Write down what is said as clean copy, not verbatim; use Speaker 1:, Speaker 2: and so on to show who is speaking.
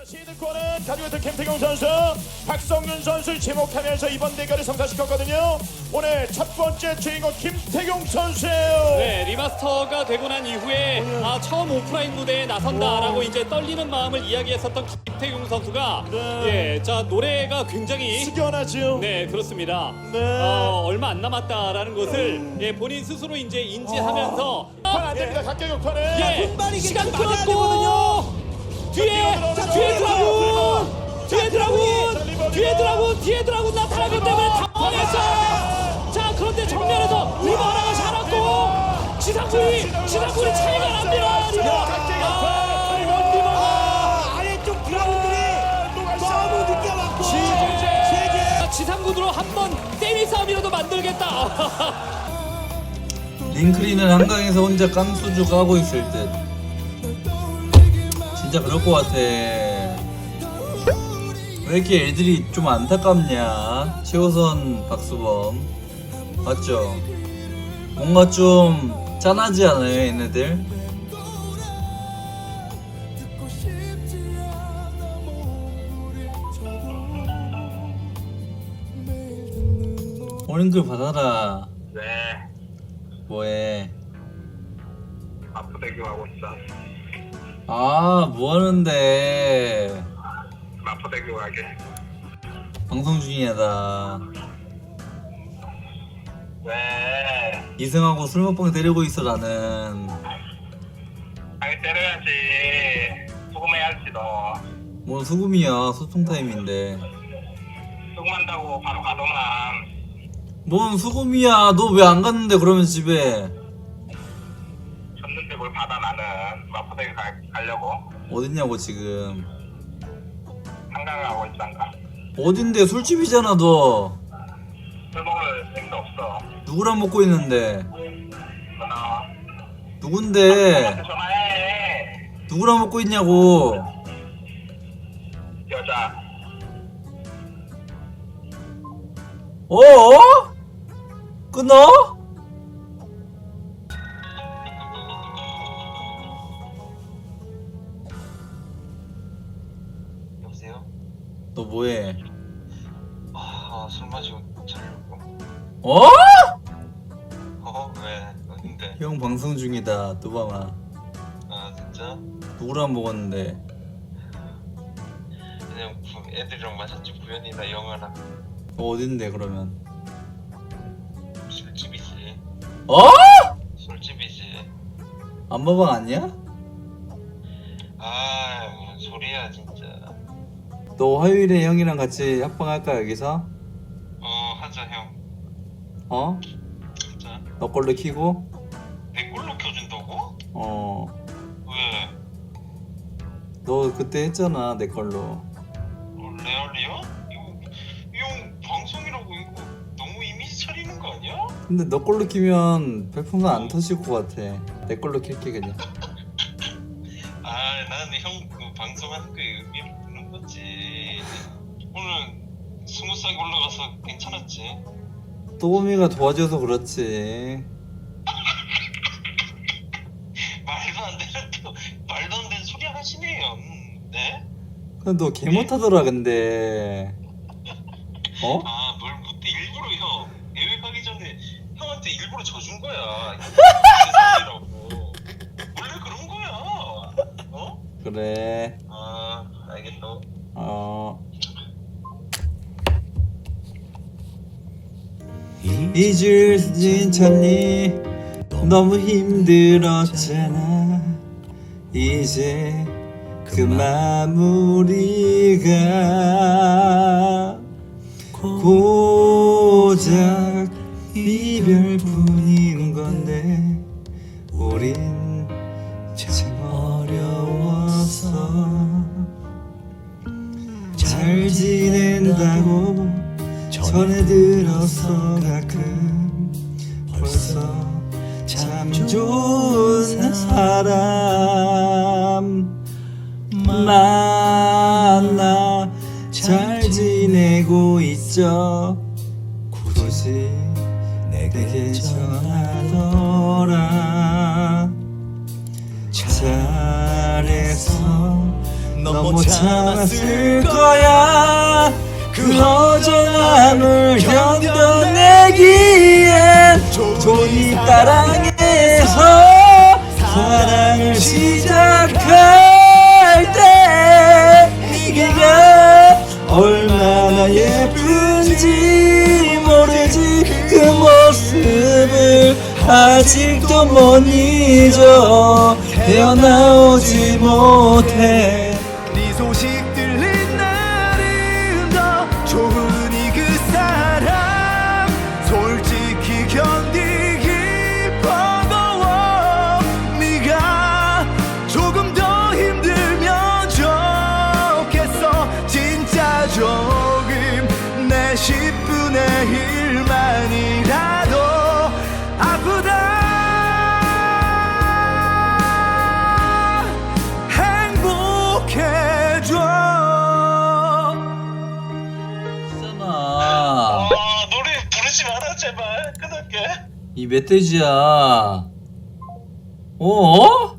Speaker 1: 시드권은 가지고 있던 김태경 선수, 박성균 선수를 지목하면서 이번 대결을 성사시켰거든요. 오늘 첫 번째 주인공 김태경 선수예요.
Speaker 2: 네, 리마스터가 되고 난 이후에 처음 오프라인 무대에 나선다라고 이제 떨리는 마음을 이야기했었던 김태경 선수가
Speaker 1: 네.
Speaker 2: 자 노래가 굉장히
Speaker 1: 숙연하죠.
Speaker 2: 네 그렇습니다.
Speaker 1: 네.
Speaker 2: 얼마 안 남았다라는 것을 본인 스스로 이제 인지하면서
Speaker 1: 안 됩니다. 각계격 판은.
Speaker 2: 시간 끌었고 뒤에 드라군 나타나기 때문에 당황했어요. 자 그런데 정면에서 리버 하나가 살았고 지상군이 차이가 납니다. 리버
Speaker 3: 아래쪽 드라군들이 너무 늦게 왔고
Speaker 2: 지상군으로 한번 세미 싸움이라도 만들겠다.
Speaker 4: 링크리는 한강에서 혼자 깡소주 까고 있을 듯. 진짜 그럴 것 같아. 왜 이렇게 애들이 좀 안타깝냐? 최호선, 박수범 맞죠? 뭔가 좀 짠하지 않아요 얘네들? 오링글 받아라.
Speaker 5: 네,
Speaker 4: 뭐해?
Speaker 5: 마포대교 하고 있어.
Speaker 4: 아 뭐하는데?
Speaker 5: 마포대교 가게.
Speaker 4: 방송 중이야 나.
Speaker 5: 왜?
Speaker 4: 이승하고 술 먹방 때리고 있어 나는.
Speaker 5: 당연히 때려야지. 수금해야지 너.
Speaker 4: 뭐 수금이야, 소통 타임인데.
Speaker 5: 수금한다고 바로 가더만.
Speaker 4: 뭔 수금이야? 너 왜 안 갔는데 그러면 집에?
Speaker 5: 졌는데 뭘 받아 나는. 마포대교 가려고.
Speaker 4: 어딨냐고 지금.
Speaker 5: 한강 가고 있어 한강.
Speaker 4: 어딘데? 술집이잖아 너.
Speaker 5: 술 먹을 힘도 없어.
Speaker 4: 누구랑 먹고 있는데?
Speaker 5: 너 나와.
Speaker 4: 누군데?
Speaker 5: 나한테 전화해.
Speaker 4: 누구랑 먹고 있냐고.
Speaker 5: 여자.
Speaker 4: 어? 끊어?
Speaker 5: 여보세요?
Speaker 4: 너 뭐해?
Speaker 5: 술 마시고 자려고.
Speaker 4: 어?
Speaker 5: 왜? 어딘데?
Speaker 4: 형 방송 중이다 뚜바마.
Speaker 5: 아 진짜?
Speaker 4: 누구랑 먹었는데?
Speaker 5: 그냥 애들이랑 마셨지. 구현이나 영아랑.
Speaker 4: 너 어딘데 그러면?
Speaker 5: 술집이지.
Speaker 4: 어?
Speaker 5: 술집이지.
Speaker 4: 안마방 아니야?
Speaker 5: 뭔 소리야 진짜.
Speaker 4: 너 화요일에 형이랑 같이 합방할까 여기서?
Speaker 5: 하자 형.
Speaker 4: 어?
Speaker 5: 진짜.
Speaker 4: 너 걸로 키고?
Speaker 5: 내 걸로 켜준다고?
Speaker 4: 어.
Speaker 5: 왜?
Speaker 4: 너 그때 했잖아 내 걸로.
Speaker 5: 레알이야? 이거 방송이라고 이거 너무 이미지 차리는 거 아니야?
Speaker 4: 근데 너 걸로 키면 별풍선 안 터질 것 같아. 내 걸로 킬게 그냥.
Speaker 5: 나는 형 그 방송하는 거에 의미를 두는 거지. 오늘 20살 올라가서 괜찮았지?
Speaker 4: 또미가 도와줘서 그렇지.
Speaker 5: 말도 안 되는 소리 하시네요. 네?
Speaker 4: 근데 너 개 못하더라 근데. 어?
Speaker 5: 뭘 못해. 일부러 형 대회 가기 전에 형한테 일부러 져준 거야. 이라고 원래 그런 거야. 어?
Speaker 4: 그래.
Speaker 5: 알겠어.
Speaker 4: 잊을 수 있잖니. 너무 힘들었잖아. 이제 그 마무리가 고작 이별뿐인 건데 우린 참 어려워서 잘 지낸다고 전해 들어서 가끔 벌써 참 좋은 사람 만나 잘 지내고 있죠. 굳이 내게 전하더라. 잘해서 너무 못 참았을 거야. 그 허전함을 견뎌내기엔 종이 따랑에서 사랑을 시작할 때 네가 얼마나 예쁜지 모르지. 그 모습을 아직도 못 잊어. 헤어나오지 못해.
Speaker 3: 네 소식 들린 날은 더 좋으니 그 사람 솔직히 견디기 버거워. 네가 조금 더 힘들면 좋겠어. 진짜 조금 내 10분의 1만이라도 아프다
Speaker 4: 있잖아.
Speaker 5: 노래 부르지 마라 제발. 끊을게.
Speaker 4: 이 멧돼지야. 어?